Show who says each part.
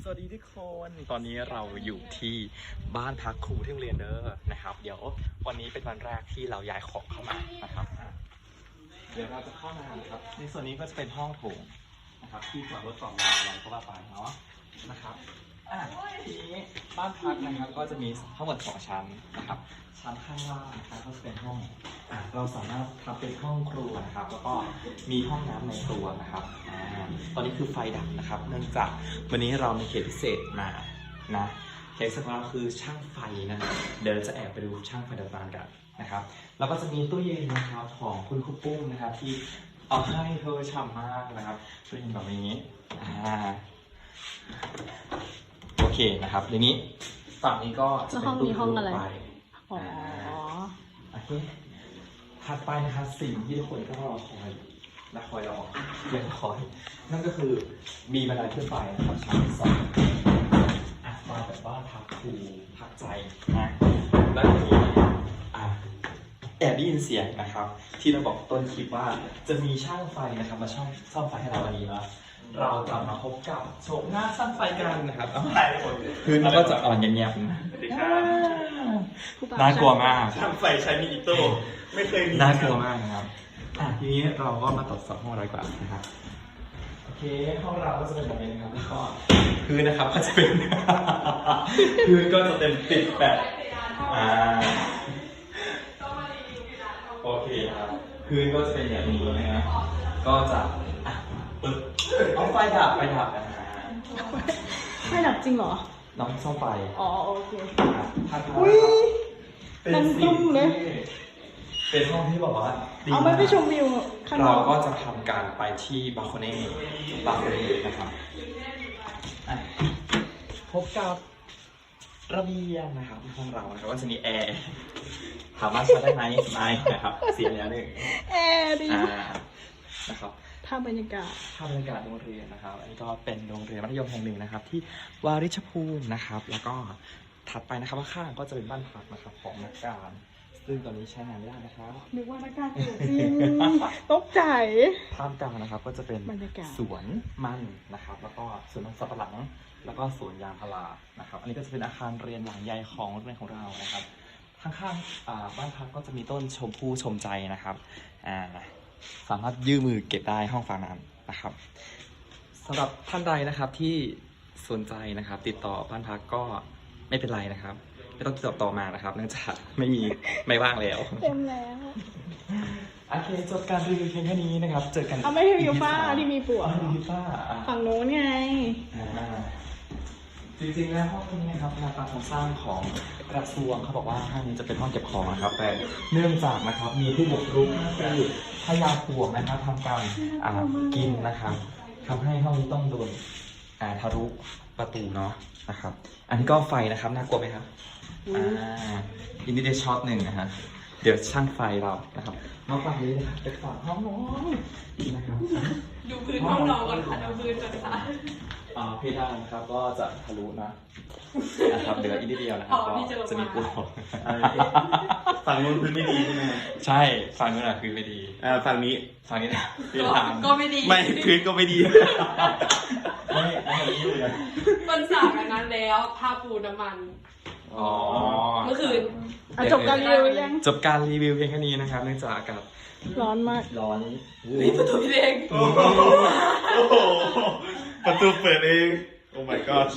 Speaker 1: สวัสดีทุกคนตอนนี้เราอยู่ที่บ้านพักครูที่โรงเรียนเด้อนะครับเดี๋ยววันนี้เป็นวันแรกที่เราย้ายของเข้ามานะครับเดี๋ยวเราจะเข้ามานะครับในส่วนนี้ก็จะเป็นห้องโถงนะครับที่จอดรถจอดรถอะไรก็ว่าไปเนาะนะครับทีนี้บ้านพักนะครับก็จะมีทั้งหมด2ชั้นนะครับชั้นข้างล่างนะครับก็จะเป็นห้องเราสามารถทำเป็นห้องครัวนะครับแล้วก็มีห้องน้ำในตัวนะครับตอนนี้คือไฟดับนะครับเนื่องจากวันนี้เรามีเขตพิเศษมานะเขตพิเศษของเราคือช่างไฟนะครับเดี๋ยวจะแอบไปดูช่างไฟดับบ้านกันนะครับแล้วก็จะมีตู้เย็นนะครับของคุณครูปุ้มนะครับที่เอาให้เธอฉ่ำมากนะครับตู้เย็นแบบนี้โอเคนะครับทีนี้ฝั่งนี้ก็จะเป็นตู้ห้องอะไรโอเคถัดไปนะครับสิ่งที่ทุกคนก็รอคอยและคอยรอยังคอยนั่นก็คือมีบันไดขึ้นไปนะครับชั้น2มาแบบว่าพักครูพักใจนะแล้วทีนี้แอบได้ยินเสียงนะครับที่เราบอกต้นคลิปว่าจะมีช่างไฟนะครับมาซ่อมไฟให้เราวันนี้นะเราจะมาพบกับโฉมหน้าช่างไฟกันนะครับคือเราก็จะอ่อนเงียบๆน่ากลัวมาก
Speaker 2: ช่างไฟใช้มีอิโต้ไม่เคยมี
Speaker 1: น่ากลัวมากนะครับทีนี้เราก็มาตรวจสอบห้องเราดีกว่านะครับโอเคห้องเราก็จะเป็นแบบนี้นะครับแล้วก็พื้นนะครับก็จะเป็นพื้นก็จะเป็นติดแบบโอเคครับพื้นก็จะเป็นอย่างนี้นะครับก็จะเอาไฟดับนะฮะ
Speaker 3: ไฟดับจริงเหรอ
Speaker 1: น้องซ่อมไฟ
Speaker 3: อ๋อโอเค
Speaker 1: อุ้ยเป็นสิ่งที่เป็นห้องที่บอกว่า
Speaker 3: เอาไปชมวิวข้างนอก
Speaker 1: เราก็จะทำการไปที่บาโคเน่นะครับพบกับระเบียงนะครับห้องเรานะครับก็จะมีแอร์ถามว่าใช้ได้ไหมไม่นะครับเสียแล้ว1
Speaker 3: แอร์ดี
Speaker 1: นะครับ
Speaker 3: ภาพบรรยากาศ
Speaker 1: โรงเรียนนะครับอันนี้ก็เป็นโรงเรียนมัธยมแห่งหนึ่งนะครับที่วาริชภูมินะครับแล้วก็ถัดไปนะครับข้างก็จะเป็นบ้านพักนะครับของนักการซึ่งตอนนี้ใช้งานไม่ได้นะครับ
Speaker 3: นึกว่านักการอยู่จริงตกใจ
Speaker 1: ท่ามกลางนะครับก็จะเป็นสวนมันนะครับแล้วก็สวนมันสับปะหลังแล้วก็สวนยางพารานะครับอันนี้ก็จะเป็นอาคารเรียนหลังใหญ่ของโรงเรียนของเรานะครับข้างๆบ้านพักก็จะมีต้นชมพู่ชมใจนะครับสามารถยื่นมือเก็บได้ห้องฝาน้ำนะครับสำหรับท่านใดนะครับที่สนใจนะครับติดต่อบ้านพักก็ไม่เป็นไรนะครับไม่ต้องติดต่อมานะครับเนื่องจากไม่ว่างแล้ว
Speaker 3: เต็มแล้ว
Speaker 1: โอเคจบการรีวิวเพียงแค่นี้นะครับเจอกัน
Speaker 3: ไม่รีวิวฝ้าที่มีปวก
Speaker 1: รีวิวฝ้า
Speaker 3: ฝั่งโน้นไง
Speaker 1: จริงๆแล้วห้องนี้นะครับแนวการโครงสร้างของกระทรวงเขาบอกว่าห้องนี้จะเป็นห้องเก็บของนะครับแต่เนื่องจากนะครับมีผู้บุกรุกคือพญาปลวกนะครับทำการกินนะครับทำให้ห้องนี้ต้องโดนทะลุประตูเนาะนะครับอันนี้ก็ไฟนะครับน่ากลัวไหมครับอินดี้เดช็อต1นะฮะเดี๋ยวช่างไฟเรานะครับมาฝั่งนี้นะครับเป็นฝั่งห้องนอนนะครับ
Speaker 4: ดูพื้นห้องนอนก่อนค่ะดูพื้นก่อนค่ะ
Speaker 1: เพดานนะครับก็จะทะลุนะครับเหลืออีกนิดเดียวนะครับก็จะมีปู
Speaker 2: ฝั่งนู้นพื้นไม่ดีใช่ไหม
Speaker 1: ใช่ฝั่งนู้นพื้นไม่ดี
Speaker 2: ฝั่งนี้
Speaker 1: นะ
Speaker 4: ก็ไม่ดี
Speaker 2: ไม่พื้นก็ไม่ดี
Speaker 1: ไม่ดีเลย
Speaker 4: มันสากอันนั้นแล้วทาปูน้ำมันเมื่อคืน
Speaker 3: จบการรีวิวยัง
Speaker 1: จบการรีวิวเพียงแค่นี้นะครับเนื่องจากอากาศ
Speaker 3: ร้อนมาก
Speaker 1: ร้อน
Speaker 4: นี่ประตูพี่เอง
Speaker 2: ประตูเปิดเองโอ้ my god